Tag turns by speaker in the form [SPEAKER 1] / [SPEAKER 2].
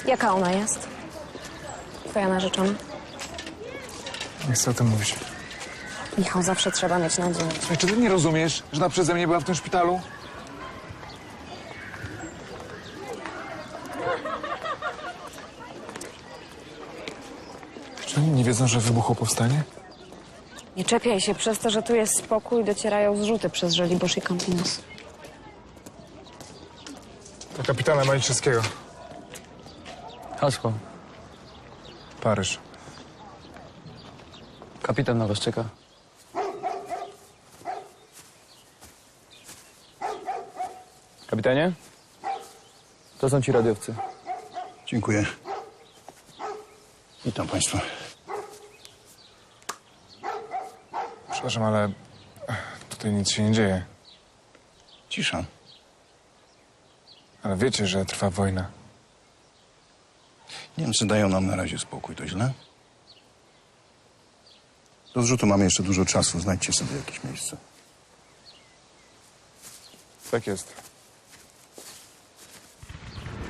[SPEAKER 1] Jaka ona jest? Twoja narzeczona?
[SPEAKER 2] Nie chcę o tym mówić.
[SPEAKER 1] Michał, zawsze trzeba mieć nadzieję.
[SPEAKER 2] Słuchaj, czy ty nie rozumiesz, że ona przeze mnie była w tym szpitalu? Czy oni nie wiedzą, że wybuchło powstanie?
[SPEAKER 1] Nie czepiaj się, przez to, że tu jest spokój, docierają zrzuty przez Żoliborz i Campinos.
[SPEAKER 2] To kapitana Maliszewskiego.
[SPEAKER 3] Hasło.
[SPEAKER 2] Paryż.
[SPEAKER 3] Kapitan na was czeka. Kapitanie? To są ci radiowcy.
[SPEAKER 4] Dziękuję. Witam państwa.
[SPEAKER 2] Przepraszam, ale tutaj nic się nie dzieje.
[SPEAKER 4] Cisza.
[SPEAKER 2] Ale wiecie, że trwa wojna.
[SPEAKER 4] Niemcy dają nam na razie spokój, to źle? Do zrzutu mamy jeszcze dużo czasu. Znajdźcie sobie jakieś miejsce.
[SPEAKER 2] Tak jest.